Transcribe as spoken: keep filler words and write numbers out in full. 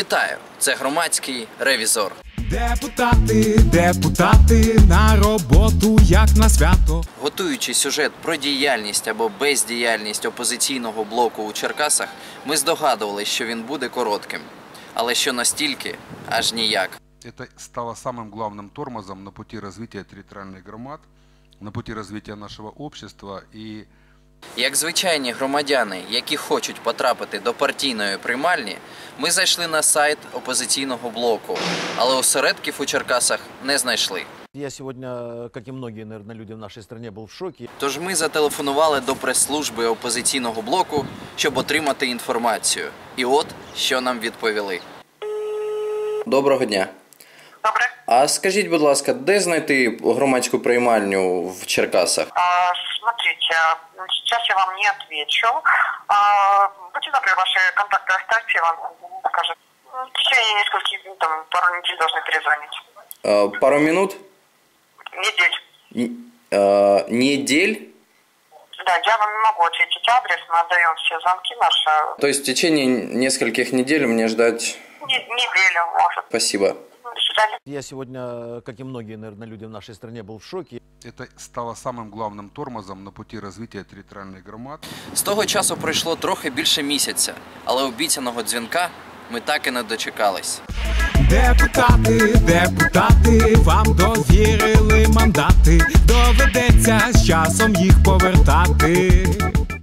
Вітаю! Це громадський ревізор. Депутати, депутати на роботу, як на свято. Готуючи сюжет про діяльність або бездіяльність опозиційного блоку у Черкасах, ми здогадувалися, що він буде коротким. Але що настільки, аж ніяк. Это стало самым главным тормозом на пути развития территориальных громад, на пути развития нашего общества. И Як звичайні громадяни, які хочуть потрапити до партійної приймальні, ми зайшли на сайт опозиційного блоку, але осередків у Черкасах не знайшли. Я сегодня, как и многие, наверное, люди в нашей стране, был в шоке. Тож ми зателефонували до прес-служби опозиційного блоку, щоб отримати інформацію. І от, що нам відповіли. Доброго дня. Добре. А скажіть, будь ласка, де знайти громадську приймальню в Черкасах? А, смотрите, сейчас я вам не отвечу. А, будьте добры, ваши контакты оставьте, я вам покажу. В течение нескольких, там, пару недель должны перезвонить. А, пару минут? Недель. Н- а, недель? Да, я вам не могу ответить адрес, мы отдаем все звонки наши. То есть в течение нескольких недель мне ждать... Не- неделю, может. Спасибо. До свидания. Я сегодня, как и многие, наверное, люди в нашей стране, был в шоке. это стало самым главным тормозом на пути развития территориальных громад. З того часу пройшло трохи більше місяця, але обіцяного дзвінка ми так і не дочекались. Депутати, депутати, вам довірили мандати, доведеться з часом їх повертати.